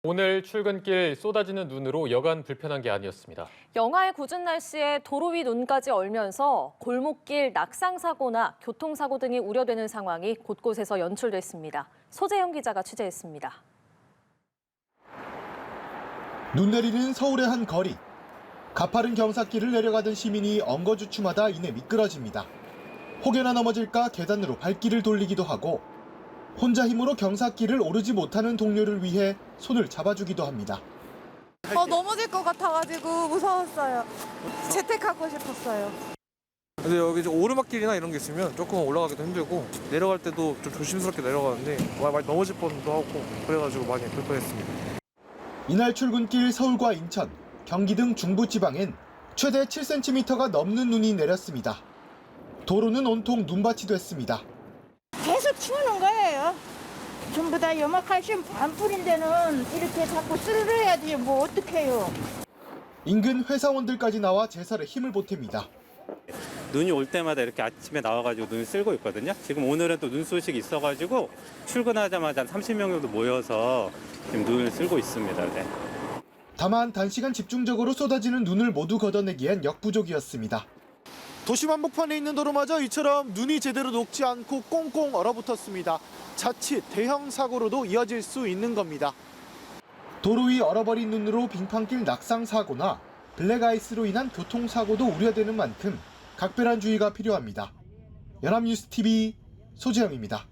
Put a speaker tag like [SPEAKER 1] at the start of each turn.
[SPEAKER 1] 오늘 출근길 쏟아지는 눈으로 여간 불편한 게 아니었습니다.
[SPEAKER 2] 영하의 궂은 날씨에 도로 위 눈까지 얼면서 골목길 낙상 사고나 교통사고 등이 우려되는 상황이 곳곳에서 연출됐습니다. 소재영 기자가 취재했습니다.
[SPEAKER 3] 눈 내리는 서울의 한 거리. 가파른 경사길을 내려가던 시민이 엉거주춤하다 이내 미끄러집니다. 혹여나 넘어질까 계단으로 발길을 돌리기도 하고 혼자 힘으로 경사길을 오르지 못하는 동료를 위해 손을 잡아주기도 합니다.
[SPEAKER 4] 넘어질 것 같아가지고 무서웠어요. 재택하고 싶었어요.
[SPEAKER 5] 근데 여기 오르막길이나 이런 게 있으면 조금 올라가기도 힘들고 내려갈 때도 좀 조심스럽게 내려가는데 많이 넘어질 뻔도 하고 그래가지고 많이 불편했습니다.
[SPEAKER 3] 이날 출근길 서울과 인천, 경기 등 중부지방엔 최대 7cm가 넘는 눈이 내렸습니다. 도로는 온통 눈밭이 됐습니다.
[SPEAKER 6] 계속 치우는 거예요. 전부 다 염화칼슘 안 뿌린 데는 이렇게 자꾸 쓸어야지 뭐 어떡해요.
[SPEAKER 3] 인근 회사원들까지 나와 제설에 힘을 보탭니다.
[SPEAKER 7] 눈이 올 때마다 이렇게 아침에 나와가지고 눈을 쓸고 있거든요. 지금 오늘은 또 눈 소식이 있어가지고 출근하자마자 한 30명 정도 모여서 지금 눈을 쓸고 있습니다. 네.
[SPEAKER 3] 다만 단시간 집중적으로 쏟아지는 눈을 모두 걷어내기엔 역부족이었습니다.
[SPEAKER 8] 도심 한복판에 있는 도로마저 이처럼 눈이 제대로 녹지 않고 꽁꽁 얼어붙었습니다. 자칫 대형 사고로도 이어질 수 있는 겁니다.
[SPEAKER 3] 도로 위 얼어버린 눈으로 빙판길 낙상 사고나 블랙아이스로 인한 교통사고도 우려되는 만큼 각별한 주의가 필요합니다. 연합뉴스TV 소재영입니다.